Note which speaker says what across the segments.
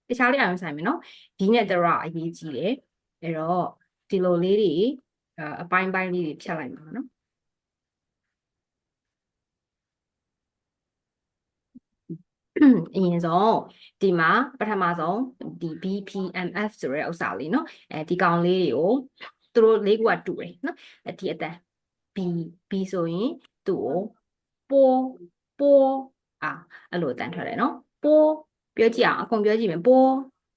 Speaker 1: တခြားလေးအောင်ဆိုင်မယ်နော်ဒီနဲ့တရအရေးကြီးတယ်အဲ့တော့ဒီလိုလေးတွေအပိုင်းပိုင်းလေးတွေဖြတ်လိုက်မှာနော်အရင်ဆုံးဒီမှာပထမဆုံးဒီ BPMF ဆိုတဲ့ဥစ္စာလေးနော်ဒီကောင်လေးတွေကိုသူတို့လေးခုကတူတယ်နော်ဒီအတန် B ဆိုရင်သူ့ကိုပိုးအဲ့လိုအတန်ထွက်တယ်နော်ပိုးပြောကြည့်အောင်အကုန်ပြောကြည့်မယ်ပိုး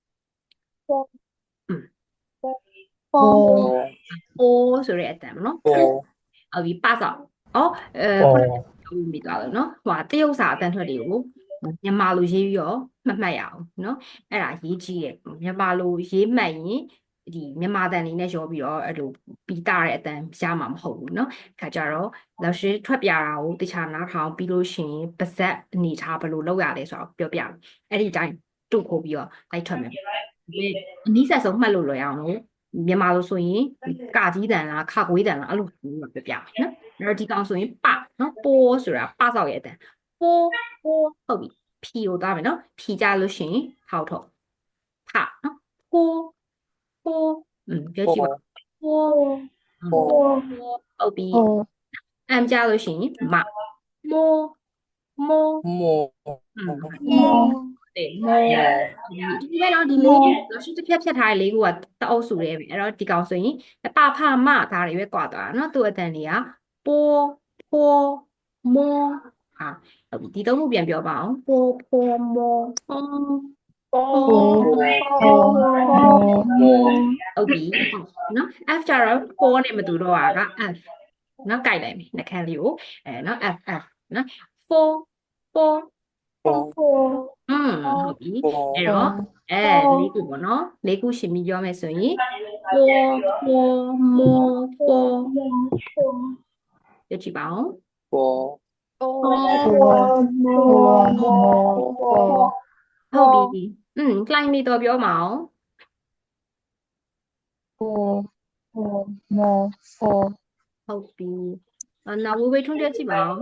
Speaker 1: ဆိုတဲ့အတန်နော်ဟုတ်ပြီပါတော့ခုနကမိသွားလို့နော်ဟိုတရုတ်စာအတန်ထွက်တွေကိုမြန်မာလိုရေးပြီးတော့မှတ်ရအောင်နော်အဲ့ဒါရေးကြည့်ရဲ့မြန်မာလိုရေးမှတ်ရင်ဒီမြန်မာတန်လေးနဲ့ရောပြီးတော့အဲ့လိုပြီးတာတဲ့အတန်ရမှာမဟုတ်ဘူးเนาะခါကြတော့လောက်ရှိထွက်ပြတာကိုတခြားနားထောင်ပြီးလို့ရှိရင်ပါဇက်အနေထားဘယ်လိုလုပ်ရလဲဆိုတော့ပြောပြအဲ့ဒီတိုင်းတုတ်ခိုးပြီးတော့လိုက်ထွက်မယ်အနည်းဆက်ဆုံးမှတ်လို့လွယ်အောင်လို့မြန်မာလိုဆိုရင်ကာကြီးတန်လားခကွေးတန်လားအဲ့လိုပြောပြမယ်နော်အဲ့တော့ဒီကောင်ဆိုရင်ပနော်ပိုးဆိုတာပဆောက်ရဲ့အတန်ပိုးဟုတ်ပြီဖြီကိုသွားမယ်နော်ဖြီကြလို့ရှိရင်ထောက်ထုတ်ဖနော်ပိုးပြောကြည့်ပါပိုးဟုတ်ပြီအမ်ကြလို့ရှိရင်မမိုးတဲ့ဒီမဲ့တော့ဒီလေးလောက်ရှိတစ်ဖြတ်ထားတဲ့လေးခုကတအုပ်စုရဲပဲအဲ့တော့ဒီကောင်ဆိုရင်ပဖမဒါတွေပဲကွာသွားတာเนาะသူ့အတန်တွေကပိုးမိုးဟုတ်ပြီဒီသုံးခုပြန်ပြောပါအောင်ပိုးမိုးဟုတ်ပြီနော် F ကြတော့4နဲ့မတူတော့တာက F နော်ကြိုက်လိုက်မယ်နှခမ်းလေးကိုနော် F နော်4ဟုတ်ပြီအဲ့တော့လေးခုပေါ့နော်လေးခုရှင်ပြီးပြောမယ်ဆိုရင်မိုးပြကြည့်ပါအောင်ဟုတ်ပြီကလိုင်းလေးတော့ပြောမအောင်ဟုတ်ပြီနောက်ဝေးထုံးပြကြည့်ပါအောင်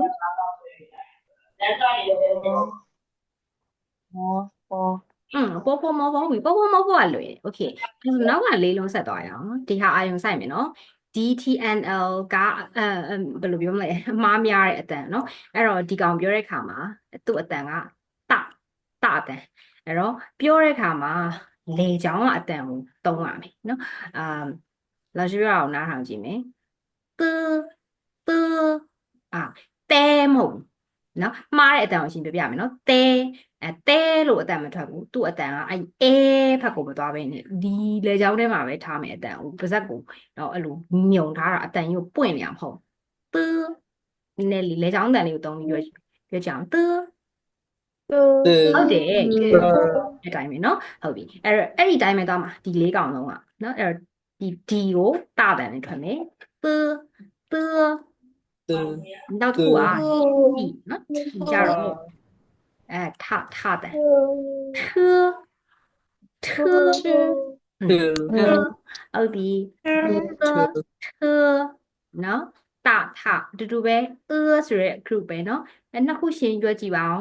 Speaker 1: ပေါ်မောဟုတ်ပြီပေါ်မောကလွယ်โอเคနောက်ကလေးလုံးဆက်သွားရအောင်ဒီဟာအာယုံဆိုင်မယ်နော် DTNL ကဘယ်လိုပြောမလဲအမားများတဲ့အတန်เนาะအဲ့တော့ဒီကောင်ပြောတဲ့ခါမှာသူ့အတန်ကတအတန်အဲ့တော့ပြောတဲ့ခါမှာလေချောင်းကအတန်ကိုသုံးရမယ်เนาะလာရှိရအောင်နားထောင်ကြည့်မယ်တဲမဟုတ်နော်မှားတဲ့အတန်ကိုရှင်းပြပြမယ်နော်တဲလို့အတန်မထွက်ဘူးသူ့အတန်ကဖက်ကိုမသွားဘဲနဲ့ဒီလေချောင်းထဲမှာပဲထားမယ်အတန်ကိုပါဇက်ကိုတော့အဲ့လိုညုံထားတာအတန်ကြီးကိုပွင့်နေအောင်မဟုတ်နဲ့လေချောင်းတန်လေးကိုသုံးပြီးပြောကြအောင်ဟုတ်တယ်အဲ့တိုင်းပဲနော်ဟုတ်ပြီအဲ့ဒီတိုင်းပဲသွားမှာဒီလေးကောင်လုံးကနော်အဲ့တော့ဒီကိုတတန်နဲ့ထွက်မယ်နောက်တစ်ခုဒီနော်ဒီကြတော့ထတယ်ဟုတ်ပြီနော်ထတူတူပဲဆိုရဲ group ပဲနော်နှစ်ခုရှင်းပြောကြည့်ပါအောင်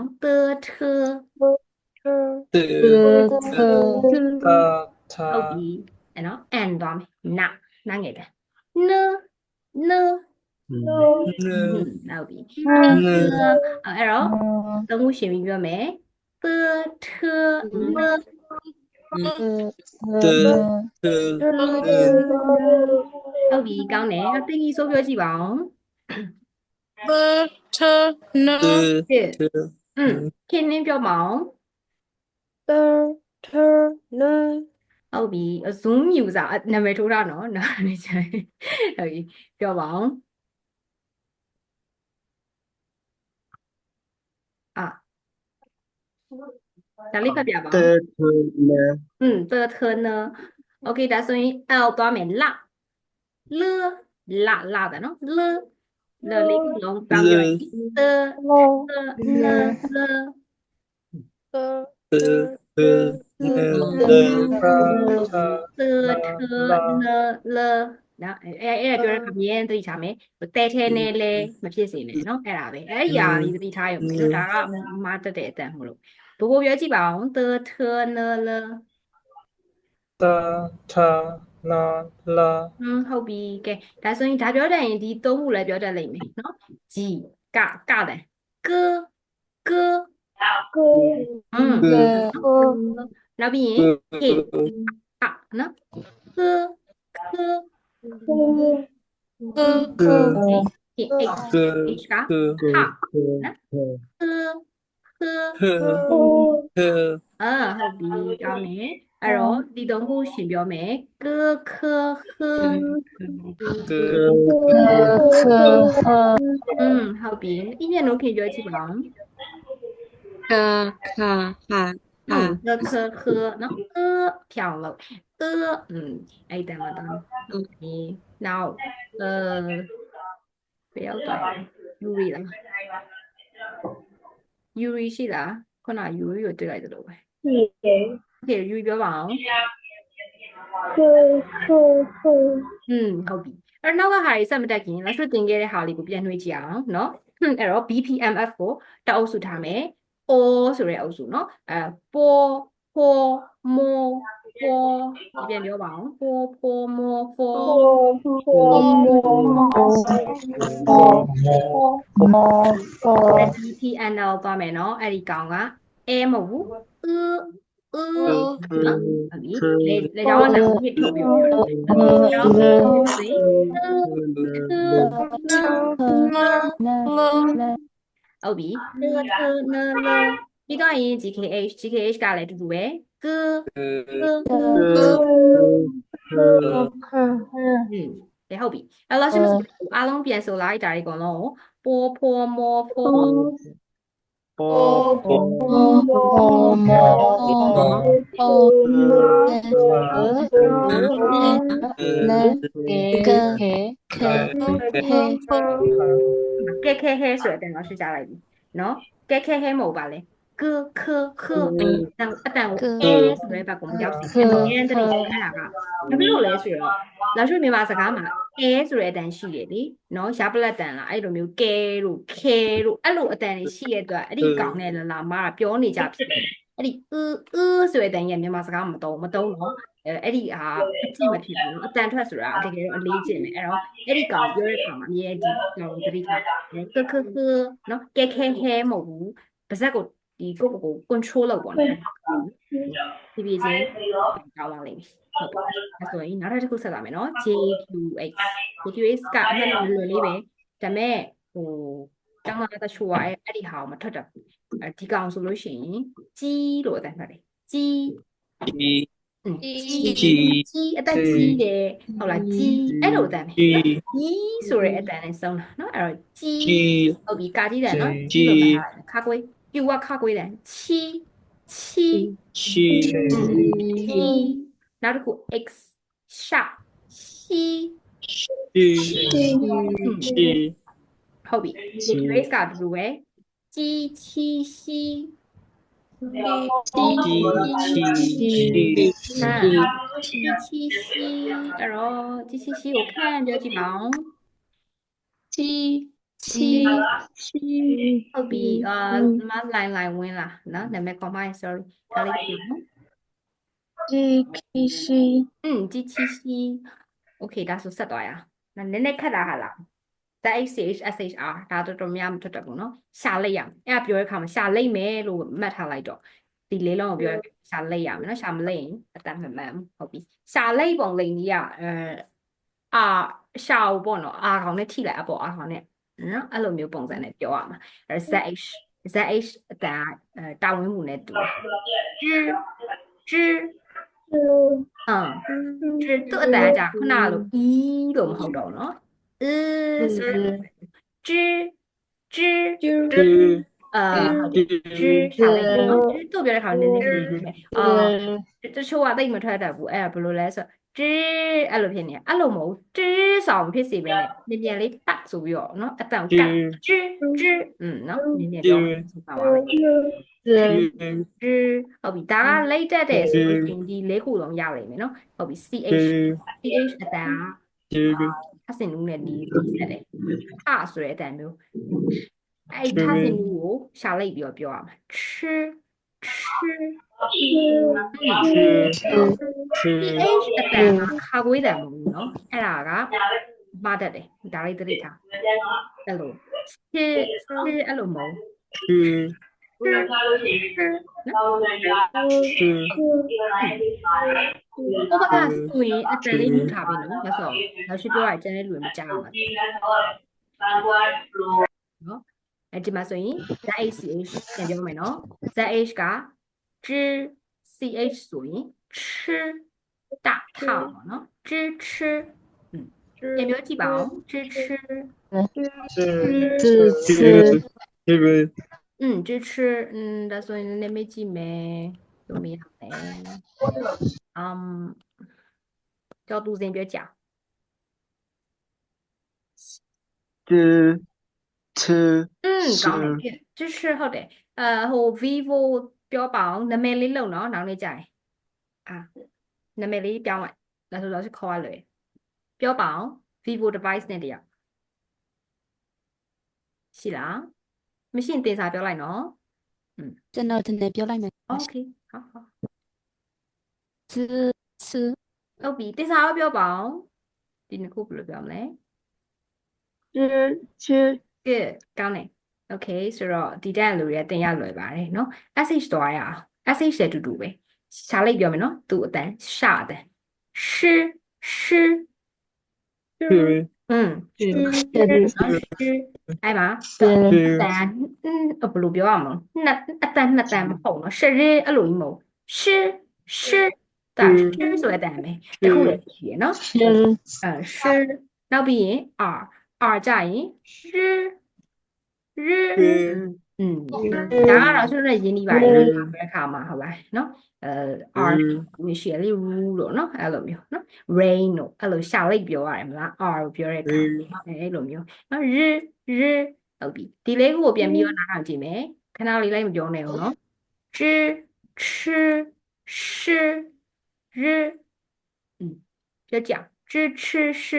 Speaker 1: ဟုတ်ပြီအဲ့နော် and သွားမယ်နာငယ်တယ်နဟုတ်ပြီအဲ့တော့သုံးခုရှင်းပြီးပြောမယ်ဟုတ်ပြီကောင်းတယ်တင်ကြီးဆိုပြောကြည့်ပါအောင်ခင်းင်းပြောပါအောင်ဟုတ်ပြီ Zoom user နာမည်ထိုးတာနော်နားနေချင်ဟုတ်ပြီပြောပါအောင်ဒါလေးဖတ်ပြပါဦးโอเคဒါဆိုရင် L သွားမယ်လတယ်နော်လေးခုလုံးတောင်းပြလိုက်နော်အဲ့ပြောတဲ့ခါမြဲသိချာမယ်တဲထဲနဲ့လဲမဖြစ်စေနဲ့နော်အဲ့ဒါပဲအဲ့ဒီဟာလေးသတိထားရုံပဲဒါကမားတက်တဲ့အတန်မလို့不过标记吧，的特呢了，
Speaker 2: 的他那了
Speaker 1: 后边嘅，但所以大表達啲都冇嚟表達嚟咩？喏，字加的歌歌，嗯，
Speaker 2: 个
Speaker 1: 那邊
Speaker 2: 个
Speaker 1: 嘿喏，歌歌，
Speaker 2: 个
Speaker 1: 嘿 h
Speaker 2: 个
Speaker 1: h 噶
Speaker 2: 个
Speaker 1: 哈，喏，歌歌。
Speaker 2: 呵
Speaker 1: 後邊講呢，然後你當故選表咩？歌科呵，
Speaker 2: 个
Speaker 1: 後邊一年都可以咗一幫，歌科呵，喏，跳落，哎，等嘛等，然後不要對，Yuri 啦，Yuri 是啦，可能 Yuri 又對嚟咗咯喂，OK，Yuri 表講，後邊，而နောက်個係စ唔得見，老師တင်ခဲ့တဲ့ဟာလေးကိုပြန်နှွှေးကြည့်အောင်နော်အဲ့တော့ BPMF ကိုတအုပ်စုထားမယ် O ဆိုတဲ့အုပ်စုနော်ပေါ်ပေါ်မောပေါ်ဒီပြန်ပြောပါအောင်ပေါ်ပေါ်မောပေါ်BPNL သွားမယ်နော်အဲ့ဒီကောင်က A မဟုတ်ဘူးနော်ဟုတ်ပြီလေကြောင်းကလည်းဖြစ်ထုတ်ပြီးပြောတယ်နော်စိဟုတ်ပြီပြီးတော့ရင် GKH ကလည်းအတူတူပဲဟုတ်ပြီအဲ့တော့ရှင်မအားလုံးပြန်ဆိုလိုက်ဒါတွေအကုန်လုံးပေါ်ပေါ်မောပေါ်ကဲခဲဟဲဆိုတဲ့အတန်ကိုရှင်းကြလိုက်ပြီနော်ကဲခဲဟဲမဟုတ်ပါလေကခခအတန်ကိုအဲဆိုတဲ့ဘက်ကိုမကြောက်စီအမြဲတမ်းအဲ့ဒါကဘာဖြစ်လို့လဲဆိုတော့လာရွှေမြန်မာစကားမှာအဲဆိုတဲ့အတန်ရှိတယ်လေနော်ရပလက်တန်လားအဲ့လိုမျိုးကဲလို့ခဲလို့အဲ့လိုအတန်တွေရှိရတဲ့အတွက်အဲ့ဒီကောင်နဲ့လာမကပြောနေကြဖြစ်တယ်အဲ့ဒီဆိုတဲ့အတန်ကြီးမြန်မာစကားမသုံးတော့အဲ့ဒီဟာအကြည့်မဖြစ်ဘူးအတန်ထွက်ဆိုတာတကယ်တော့အလေးကျင့်တယ်အဲ့တော့အဲ့ဒီကောင်ပြောတဲ့အခါမှာအမြဲဒီကောင်သတိထားကနော်ကဲခဲခဲမဟုတ်ဘူးပါဇက်ကိုဒီကိုယ့်ကို control လုပ်ပေါ့နော်ဒီပြချင်းကောင်းပါလိမ့်မယ်ဟုတ်ပါအဲ့ဆိုရင်နောက်တစ်ခုဆက်လာမယ်နော် JQX ကအမှန်တလွယ်လေးပဲဒါပေမဲ့ကျောင်းသားတချို့ကအဲ့ဒီဟာကိုမထွက်တတ်ဘူးဒီကောင်ဆိုလို့ရှိရင်ကြီးလို့အတန်ထွက်တယ်ကြီးကြီးအသက်ကြီးတယ်ဟုတ်လားကြီးအဲ့လိုအတန်ပဲကြီးဆိုရဲအတန်နဲ့ဆုံးတာနော်အဲ့တော့ကြီးဟုတ်ပြီကာကြီးတယ်နော်ကြီးလို့မှတ်ထားတယ်ခါကွေးပြူကခါကွေးတယ်ချီနောက်တစ်ခု x ရှာရှီဟုတ်ပြီဒီ grace ကအတူတူပဲကြီးချီရှီအဲ့တော့ជីချီကိုခန့်ပြောကြည့်ပါအောင်ဟုတ်ပြီမလိုင်းဝင်လာနော်နာမည် combine sorry ဒါလေးပြောနော်ជីချီ okay ဒါဆိုဆက်သွားရအောင်နည်းနည်းခက်တာဟာလား SHR ဒါတော်တော်များမထွက်တတ်ဘူးနော်ရှာလိုက်ရအဲ့ပြောတဲ့အခါမှာရှာလိုက်မယ်လို့မှတ်ထားလိုက်တော့ဒီလေးလုံးကိုပြောရှာလိုက်ရမယ်နော်ရှာမလိုက်ရင်အတန်မှန်ဟုတ်ပြီရှာလိုက်ပုံလိန်ကြီးကရှာကိုပေါ့နော်အာခေါင်နဲ့ထိလိုက်အပေါ်အာခေါင်နဲ့နော်အဲ့လိုမျိုးပုံစံနဲ့ပြောရမှာZH အတန်တာဝင်းမှုနဲ့တူသူ့အတန်ကြာခုနလိုလို့မဟုတ်တော့နော်ဆိုရှာလိုက်နော်သူ့ပြောတဲ့ခါနည်းနည်းတချို့ကသိမထွက်တတ်ဘူးအဲ့ဒါဘယ်လိုလဲဆိုအဲ့လိုဖြစ်နေအဲ့လိုမဟုတ်ဆောင်ဖြစ်စီပဲနဲ့မြန်လေးပတ်ဆိုပြီးတော့နော်အတန်ကနော်မြန်ပြောဆိုပါပါဟုတ်ပြီဒါကလိတ်တက်တယ်ဆိုလို့ရှိရင်ဒီ၄ခုလုံးရလိမ့်မယ်နော်ဟုတ်ပြီ CH အတန်အစင်နူးနဲ့ဒီဆက်တယ်ဆိုတဲ့အတန်မျိုးအဲ့ထဆင်နူးကိုရှာလိုက်ပြီးတော့ပြောရမှာ ch အတန်ကခါခွေးတန်မဟုတ်ဘူးเนาะအဲ့ဒါကမတတ်တယ်ဒါလေးသတိထားအဲ့လို ch အဲ့လိုမဟုတ် ဟိုဘက်ကဆိုရင်အတန်လေးမြူထားပြီနော်ဒါဆိုနောက်ရှိပြောရကျန်တဲ့လူတွေမကြောက်ဘူးနော်အဲ့ဒီမှာဆိုရင် ZH ပြန်ပြောမယ်နော် ZH က zh ch ဆိုရင် ch 大套ပေါ့နော် zh ch ပြန်ပြောကြည့်ပါဦး zh ch
Speaker 2: 是
Speaker 1: zh ch ဒါဆိုရင်လည်းမေးကြည့်မယ်လို့မေးရမယ်叫杜先别讲ကောင်းတယ်支持ဟုတ်တယ်ဟို vivo ပြောပါအောင်နာမည်လေးလုံနော်နောက်နေ့ကြာရင်နာမည်လေးပြောင်းလိုက်ဒါဆိုတော့ခေါ်ရလွယ်ပြောပါအောင် vivo device နဲ့တည်းရှိလားမရှိရင်တင်စာပြောလိုက်နော်
Speaker 3: ကျွန်တော်တင်ပြောလိုက်မယ်
Speaker 1: okay 好好
Speaker 3: 吃
Speaker 1: ဟုတ်ပြီတင်စာပြောပါအောင်ဒီနှစ်ခုဘယ်လိုပြောမလဲgood ကောင်းတယ် okay ဆိုတော့ဒီတက်လူတွေတင်ရလွယ်ပါတယ်နော် sh သွားရအောင် sh လည်းတူတူပဲရှားလိုက်ပြောမယ်နော်သူ့အတန်ရှာအတန်ရှအဲ့မှာတန်ဘယ်လိုပြောရမလဲအတန်နှစ်တန်မဟုတ်နော်ရှရဲအဲ့လိုကြီးမဟုတ်ရှဒါရှဆိုတဲ့အတန်ပဲတခုလည်းရှိရနော်ရှနောက်ပြီးရင် r ကြရင်ရဒါကတော့ဆိုတော့ရင်းနှီးပါတယ်ဘယ်ခါမှာဟုတ်လားနော်r မရှိလေ rule လို့နော်အဲ့လိုမျိုးနော် rain လို့အဲ့လိုရှာလိုက်ပြောရတယ်မလား r ကိုပြောတဲ့အခါအဲ့လိုမျိုးနော်ရဟုတ်ပြီဒီလေးကိုပြန်ပြီးတော့နားထောင်ကြည့်မယ်ခဏလေးလိုက်မပြောနဲ့ဦးနော်ch ch shပြောကြch ch sh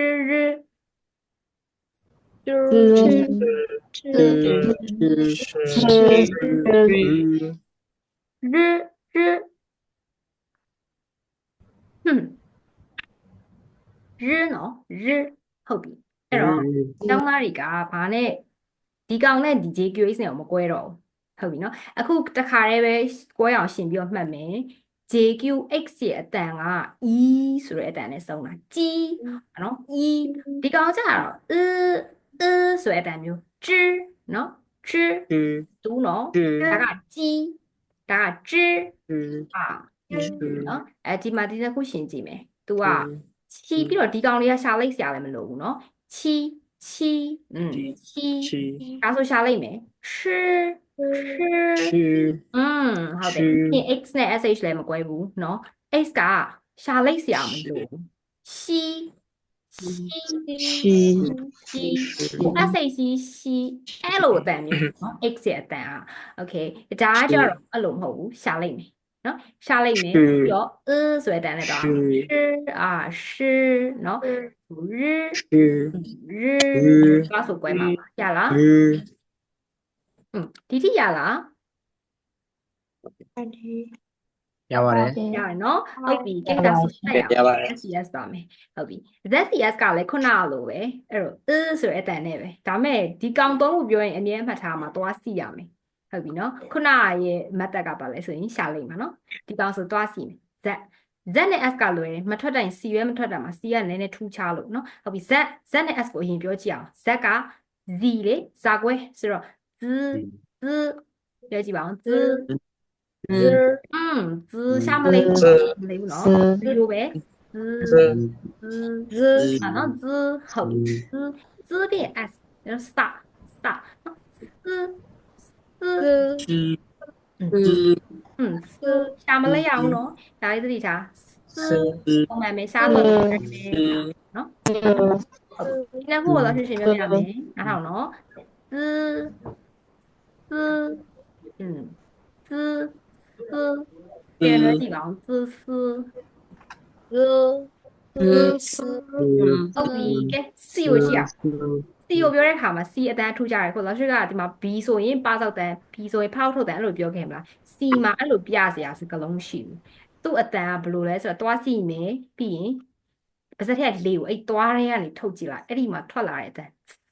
Speaker 1: ရနော်ရဟုတ်ပြီအဲ့တော့ကျောင်းသားတွေကဘာနဲ့ဒီကောင်နဲ့ဒီ JQH နဲ့မကွဲတော့ဘူးဟုတ်ပြီနော်အခုတခါတည်းပဲကွဲအောင်ရှင်ပြီးတော့မှတ်မယ် JQX ရဲ့အတန်က E ဆိုတဲ့အတန်နဲ့ဆုံးတာကြီးနော် E ဒီကောင်ကျတော့ဆိုတဲ့အတန်မျိုး知နော်知တူနော်ဒါကကြီးဒါက知နော်ဒီမှာဒီတစ်ခုရှင်းကြည့်မယ်သူကချီပြီးတော့ဒီကောင်လေးကရှာလိုက်စရာလည်းမလိုဘူးเนาะချီဒါဆိုရှာလိုက်မယ်ဟုတ်တယ်ဒီ x နဲ့ sh လည်းမကွဲဘူးเนาะ x ကရှာလိုက်စရာမလိုဘူးshအဲ့လိုအတန်မျိုးเนาะ x ရဲ့အတန်อ่ะ okay ဒါကကြတော့အဲ့လိုမဟုတ်ဘူးရှာလိုက်မယ်နော်ရှာလိုက်မယ်ပြီးတော့ဆိုတဲ့အတန်နဲ့တော့是နော်ဘာဆိုကွဲမှာရလားဒီတိရလား
Speaker 2: ရပါတယ်
Speaker 1: ရတယ်နော်ဟုတ်ပြီကိစ္စဆက်ရအောင် ZCS ပါမယ်ဟုတ်ပြီ ZCS ကလည်းခုနလိုပဲအဲ့တော့ဆိုတဲ့အတန်နဲ့ပဲဒါမဲ့ဒီကောင်သုံးခုပြောရင်အမြဲမှတ်ထားမှာသွားစီရမယ်ဟုတ်ပြီနော်ခုနရဲ့မတ်တက်ကပါလဲဆိုရင်ရှာလိုက်မှာနော်ဒီကောင်ဆိုသွားစီမယ် z နဲ့ s ကလွယ်တယ်မထွက်တိုင်း c ပဲမထွက်တာမှာ c ကနည်းနည်းထူးခြားလို့နော်ဟုတ်ပြီ z နဲ့ s ကိုအရင်ပြောကြည့်အောင် z က z လေဇာကွဲဆိုတော့ z ပြောကြည့်ပါအောင် z ရှာမလေးဘူးနော်ဒီလိုပဲနော် z ဟုတ်z 变 s 然后 star ရှာမလဲရအောင်နော်ဒါလေးသတိထားပုံမှန်ပဲရှာတော့တယ်နော်ဒီနှစ်ခုတော့ရှင်းရှင်းပြောပြရမယ်နားထောင်နော်ပြန်လို့ကြည့်ပါအောင်ဟုတ်ပြီကဲစီကိုကြည့်အောင် C ကိုပြောတဲ့အခါမှာ C အတန်းထူကြတယ်ခုလောရှိကဒီမှာ B ဆိုရင်ပါစောက်တန်း B ဆိုရင်ဖောက်ထုတ်တန်းအဲ့လိုပြောခဲ့မလား C မှာအဲ့လိုပြစရာစကလုံးမရှိဘူးသူ့အတန်းကဘယ်လိုလဲဆိုတော့သွားစီမယ်ပြီးရင်ပါစက်ထက်လေးကိုအဲ့သွားထဲကနေထုတ်ကြည့်လိုက်အဲ့ဒီမှာထွက်လာတဲ့အတန်း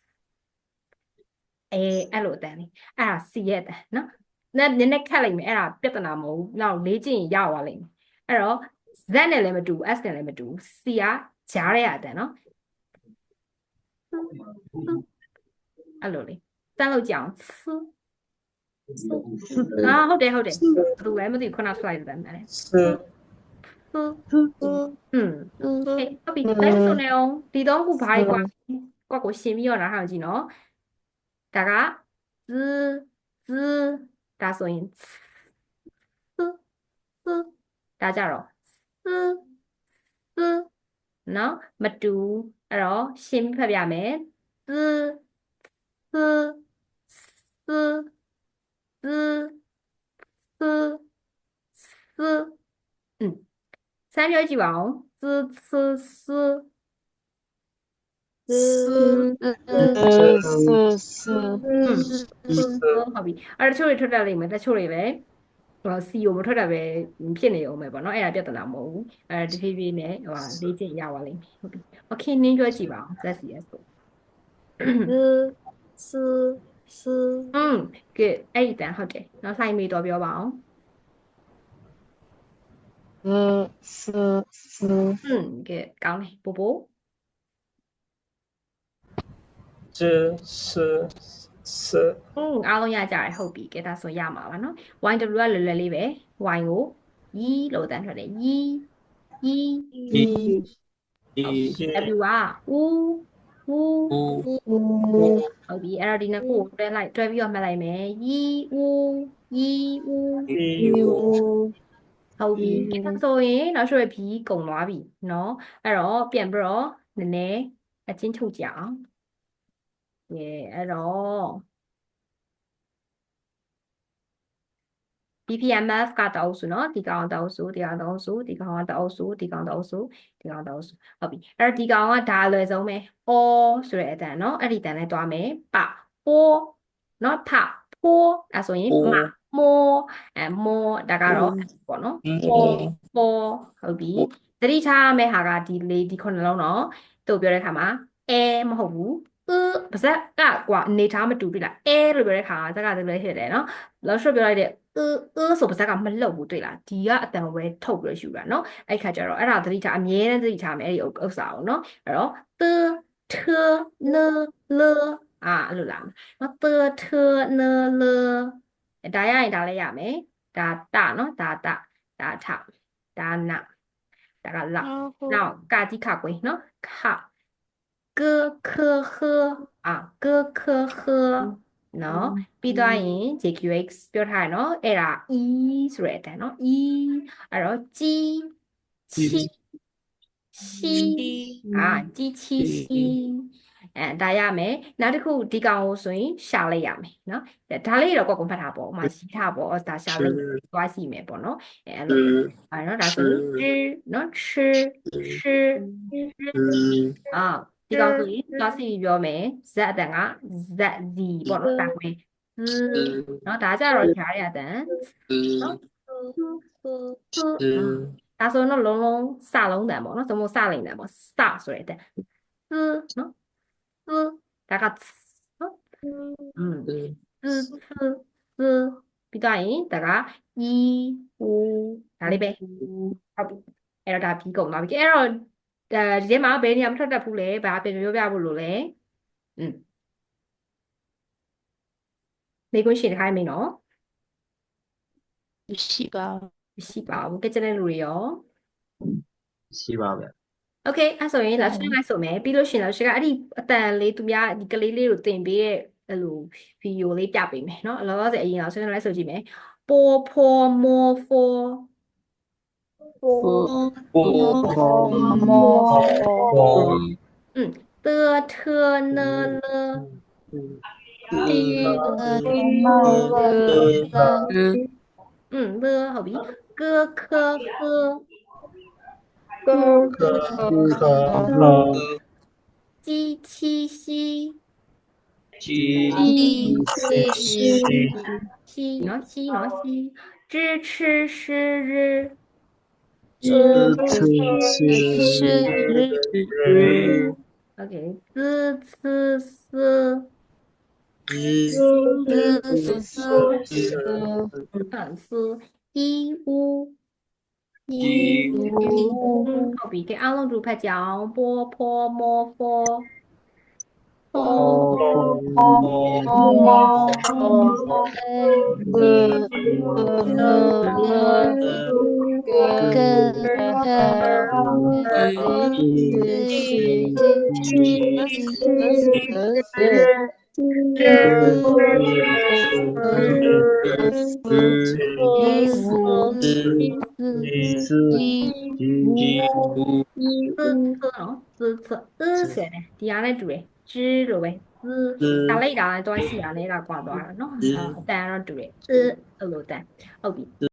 Speaker 1: အဲ့လိုအတန်းလေးအဲ့ဒါ C ရဲ့အတန်းနော်နည်းနည်းခက်လိုက်မယ်အဲ့ဒါပြဿနာမဟုတ်ဘူးနောက်လေ့ကျင့်ရင်ရသွားလိမ့်မယ်အဲ့တော့ Z နဲ့လည်းမတူ S နဲ့လည်းမတူ C ကကြားတဲ့အတန်းနော်အဲ့လိုလေစမ်းလို့ကြအောင်ဟုတ်တယ်ဘယ်သူလဲမသိဘူးခုနထွက်လိုက်တယ်မယ်ဟုတ်ပြီလိုက်ဆိုနေအောင်ဒီတော့ခုဘာကြီးကွာကိုရှင်းပြီးတော့နားထောင်ကြည့်နော်ဒါကဇဒါဆိုရင်ဒါကြတော့နော်မတူအဲ့တော့ရှင်းပြီးဖတ်ပြမယ်三ပြောကြည့်ပါအောင်ဟုတ်ပြီအဲ့တချို့တွေထွက်တတ်လိမ့်မယ်တချို့တွေပဲC ကိုမထွက်တတ်ပဲဖြစ်နေအောင်ပဲပေါ့နော်အဲ့ဒါပြဿနာမဟုတ်ဘူးတဖြည်းဖြည်းနဲ့လေ့ကျင့်ရပါလိမ့်မယ်ဟုတ်ပြီโอเคနင်းပြောကြည့်ပါအောင် ZCS ကိုgood အဲ့ဒီတန်ဟုတ်တယ်နောက်ဆိုင်မေးတော့ပြောပါအောင်good ကောင်းတယ်ပို့အားလုံးရကြတယ်ဟုတ်ပြီကဲဒါဆိုရမှာပါနော် YW ကလွယ်လွယ်လေးပဲ Y ကို Y လို့တန်းထွက်တယ် Y W က U ဟုတ်ပြီအဲ့တော့ဒီနှစ်ခုကိုတွဲပြီးတော့မှတ်လိုက်မယ် Y U ဟုတ်ပြီဆိုရင်နောက်ဆိုရ B ကုန်သွားပြီเนาะအဲ့တော့ပြန်ပြီးတော့နည်းနည်းအချင်းချုပ်ကြအောင်အဲ့တော့ BPMF ကတအုပ်စုเนาะဒီကောင်တအုပ်စုဒီကောင်တအုပ်စုဒီကောင်ကတအုပ်စုဒီကောင်တအုပ်စုဒီကောင်တအုပ်စုဟုတ်ပြီအဲ့တော့ဒီကောင်ကဒါအလွယ်ဆုံးပဲ O ဆိုတဲ့အတန်เนาะအဲ့ဒီတန်နဲ့တွားမယ်ပပိုးเนาะထဖိုးအဲ့ဆိုရင်မမိုးမိုးဒါကတော့ပေါ့เนาะပိုးဟုတ်ပြီသတိထားမယ့်ဟာကဒီခုနှလုံးเนาะတို့ပြောတဲ့ခါမှာမဟုတ်ဘူးပါဇက်ကကွာအနေထားမတူပြီလားလို့ပြောတဲ့ခါဇက်ကတည်းကလည်းဖြစ်တယ်เนาะလောက်ရှော့ပြောလိုက်တဲ့ဆိုပါဇက်ကမလှုပ်ဘူးတွေ့လားဒီကအတန်ဝဲထုတ်ပြီးယူတာเนาะအဲ့ခါကျတော့အဲ့ဒါသတိထားအမြဲတမ်းသတိထားမယ်အဲ့ဒီဥစ္စာကိုเนาะအဲ့တော့ထနလအဲ့လိုလားနော်ထနလဒါရရင်ဒါလည်းရမယ်ဒါတเนาะဒါထဒါနဒါကလနောက်ကာတိခကွေးเนาะခကခခကခခနော်ပြီးသွားရင် JQX ပြောထားရနော်အဲ့ဒါ E ဆိုတဲ့အတန်းနော် E အဲ့တော့ကြီးချီကြီးချီဒါရမယ်နောက်တစ်ခုဒီကောင်ကိုဆိုရင်ရှာလိုက်ရမယ်နော်ဒါလေးတော့ကိုယ်ဖတ်ထားပေါ့ဥမာရှိထားပေါ့ဒါရှာလိုက်သွားစီမယ်ပေါ့နော်အဲ့လိုနော်ဒါဆိုရင်နော်ချဒီကောင်ဆိုရင်သွားစီပြောမယ် Z အတန်က ZZ ပေါ့နော်ဒါဝင်နော်ဒါကြတော့ကြားရတဲ့နော်ဒါဆိုတော့လုံးလုံးစလုံးတန်ပေါ့နော်သမုတ်စလိမ့်တန်ပေါ့စဆိုရတဲ့နော်ဒါကနော်ပြီးတော့ရင်ဒါက E U ဒါလေးပဲဟုတ်ပြီအဲ့တော့ဒါပြီးကုန်သွားပြီအဲ့တော့ဒီထဲမှာဘယ်နေရာမထွက်တတ်ဘူးလဲဘာပြန်ပြောပြဖို့လို့လဲမိကွန်းရှင်တစ်ခါမင်းနော်
Speaker 3: မရှိပါ
Speaker 1: ဘူးကြက်တဲ့လူတွေရော
Speaker 2: ရှိပါဗျ
Speaker 1: โอเคအဲ့ဆိုရင်လာရှင်းလိုက်ဆိုမယ်ပြီးလို့ရှင်လာရှင်းကအဲ့ဒီအတန်လေးသူများဒီကလေးလေးကိုတင်ပေးရဲ့အဲ့လိုဗီဒီယိုလေးပြပေးမယ်เนาะလောလောဆယ်အရင်လာရှင်းလိုက်ဆိုကြည့်မယ်ပိုဖောမောဖောထနလဟုတ်ပြီကခခ鸡七夕
Speaker 2: 鸡
Speaker 1: 西喏，西喏，西，知吃是日，
Speaker 2: 吃日
Speaker 1: OK，滋呲丝，丝，一乌，后边cái áo lông rủ phải chào bô po mô phô, sẽ này, thì anh ấy đuổi, chứ rồi vậy, ta lấy đó tôi xí anh ấy là quả đó nó, ta nó đuổi, rồi ta,